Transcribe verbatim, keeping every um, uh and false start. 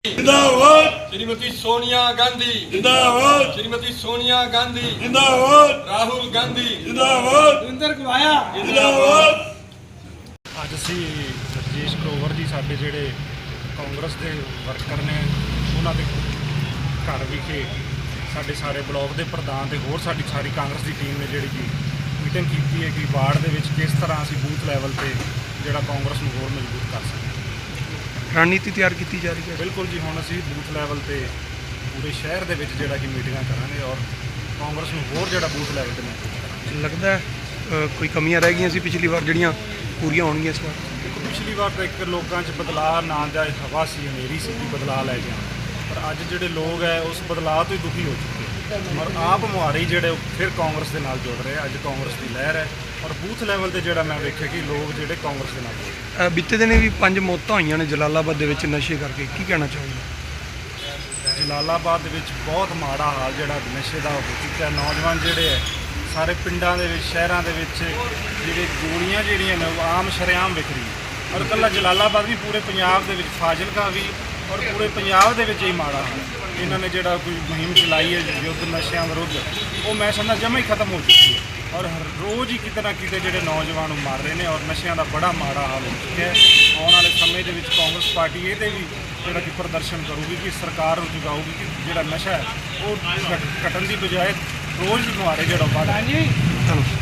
जिंदाबाद श्रीमती सोनिया गांधी जिंदाबाद श्रीमती सोनिया गांधी जिंदाबाद राहुल गांधी जिंदाबाद ਦਵਿੰਦਰ ਗਵਾਇਆ जिंदाबाद ਅੱਜ ਅਸੀਂ ਰਜੇਸ਼ ਗਰੋਵਰ ਜੀ ਸਾਡੇ ਜਿਹੜੇ ਕਾਂਗਰਸ ਦੇ ਵਰਕਰ ਨੇ ਉਹਨਾਂ ਦੇ ਘਰ ਵਿਖੇ ਸਾਡੇ ਸਾਰੇ ਬਲਾਕ ਦੇ ਪ੍ਰਧਾਨ ਤੇ ਹੋਰ ਸਾਡੀ ਸਾਰੀ ਕਾਂਗਰਸ ਦੀ ਟੀਮ ਨੇ ਜਿਹੜੀ ਕਿ ਮੀਟਿੰਗ ਕੀਤੀ ਹੈ ਕਿ ਵਾਰਡ ਦੇ ਵਿੱਚ ਕਿਸ ਤਰ੍ਹਾਂ ਅਸੀਂ ਬੂਥ ਲੈਵਲ ਤੇ ਜਿਹੜਾ ਕਾਂਗਰਸ ਨੂੰ ਹੋਰ ਮਜ਼ਬੂਤ ਕਰ ਸਕੀਏ। ਰਣਨੀਤੀ ਤਿਆਰ ਕੀਤੀ ਜਾ ਰਹੀ ਹੈ। ਬਿਲਕੁਲ ਜੀ, ਹੁਣ ਅਸੀਂ ਬੂਥ ਲੈਵਲ ਤੇ ਪੂਰੇ ਸ਼ਹਿਰ ਦੇ ਵਿੱਚ ਜਿਹੜਾ ਕਿ ਮੀਟਿੰਗਾਂ ਕਰਾਂਗੇ ਔਰ ਕਾਂਗਰਸ ਨੂੰ ਹੋਰ ਜਿਹੜਾ ਬੂਥ ਲੈਵਲ ਤੇ ਮਜ਼ਬੂਤ ਕਰਾਂਗੇ। ਲੱਗਦਾ ਹੈ ਅ, ਕੋਈ ਕਮੀਆਂ ਰਹਿ ਗਈਆਂ ਸੀ ਪਿਛਲੀ ਵਾਰ ਜਿਹੜੀਆਂ ਪੂਰੀਆਂ ਹੋਣਗੀਆਂ ਇਸ ਵਾਰ। ਦੇਖੋ, ਪਿਛਲੀ ਵਾਰ ਤਾਂ ਇੱਕ ਲੋਕਾਂ 'ਚ ਬਦਲਾਅ ਨਾਂ ਦਾ ਹਵਾ ਸੀ, ਹਨੇਰੀ ਸੀ ਕਿ ਬਦਲਾਅ ਲੈ ਕੇ ਆਉਣਾ, ਪਰ ਅੱਜ ਜਿਹੜੇ ਲੋਕ ਹੈ ਉਸ ਬਦਲਾਅ ਤੋਂ ਹੀ ਦੁਖੀ ਹੋ ਚੁੱਕੇ ਔਰ ਆਪ ਮੁਹਾਰੇ ਜਿਹੜੇ ਉਹ ਫਿਰ ਕਾਂਗਰਸ ਦੇ ਨਾਲ ਜੁੜ ਰਹੇ। ਅੱਜ ਕਾਂਗਰਸ ਦੀ ਲਹਿਰ ਹੈ ਔਰ ਬੂਥ ਲੈਵਲ ਤੇ ਜਿਹੜਾ ਮੈਂ ਵੇਖਿਆ ਕਿ ਲੋਕ ਜਿਹੜੇ ਕਾਂਗਰਸ ਦੇ ਨਾਲ ਜੁੜ ਰਹੇ। ਅ, ਬੀਤੇ ਦਿਨੇ ਵੀ ਪੰਜ ਮੌਤਾਂ ਹੋਈਆਂ ਨੇ ਜਲਾਲਾਬਾਦ ਦੇ ਵਿੱਚ ਨਸ਼ੇ ਕਰਕੇ, ਕੀ ਕਹਿਣਾ ਚਾਹੋਗੇ? ਜਲਾਲਾਬਾਦ ਦੇ ਵਿੱਚ ਬਹੁਤ ਮਾੜਾ ਹਾਲ ਜਿਹੜਾ ਨਸ਼ੇ ਦਾ ਹੋ ਚੁੱਕਾ। ਨੌਜਵਾਨ ਜਿਹੜੇ ਹੈ ਸਾਰੇ ਪਿੰਡਾਂ ਦੇ ਵਿੱਚ ਸ਼ਹਿਰਾਂ ਦੇ ਵਿੱਚ ਜਿਹੜੇ ਗੋਲੀਆਂ ਜਿਹੜੀਆਂ ਨੇ ਉਹ ਆਮ ਸ਼ਰੇਆਮ ਵਿਕ ਰਹੀ ਔਰ ਇਕੱਲਾ ਜਲਾਲਾਬਾਦ ਵੀ ਪੂਰੇ ਪੰਜਾਬ ਦੇ ਵਿੱਚ, ਫਾਜ਼ਿਲਕਾ ਵੀ ਔਰ ਪੂਰੇ ਪੰਜਾਬ ਦੇ ਵਿੱਚ ਹੀ ਮਾੜਾ ਹਾਲ। ਇਹਨਾਂ ਨੇ ਜਿਹੜਾ ਕੋਈ ਮੁਹਿੰਮ ਚਲਾਈ ਹੈ ਯੁੱਧ ਨਸ਼ਿਆਂ ਵਿਰੁੱਧ, ਉਹ ਮੈਂ ਸਮਝਦਾ ਜਮਾਂ ਹੀ ਖਤਮ ਹੋ ਚੁੱਕੀ ਹੈ ਔਰ ਰੋਜ਼ ਹੀ ਕਿਤੇ ਨਾ ਕਿਤੇ ਜਿਹੜੇ ਨੌਜਵਾਨ ਨੂੰ ਮਾਰ ਰਹੇ ਨੇ ਔਰ ਨਸ਼ਿਆਂ ਦਾ ਬੜਾ ਮਾੜਾ ਹਾਲ ਹੋ ਚੁੱਕਿਆ ਹੈ। ਆਉਣ ਵਾਲੇ ਸਮੇਂ ਦੇ ਵਿੱਚ ਕਾਂਗਰਸ ਪਾਰਟੀ ਇਹਦੇ ਵੀ ਜਿਹੜਾ ਕਿ ਪ੍ਰਦਰਸ਼ਨ ਕਰੂਗੀ ਕਿ ਸਰਕਾਰ ਨੂੰ ਜਗਾਊਗੀ ਕਿ ਜਿਹੜਾ ਨਸ਼ਾ ਹੈ ਉਹ ਘਟ- ਘਟਣ ਦੀ ਬਜਾਏ ਰੋਜ਼ ਹੀ ਮੁਹਾਰੇ ਜਿਹੜਾ ਵੱਧ ਹਾਂਜੀ ਧੰਨਵਾਦ।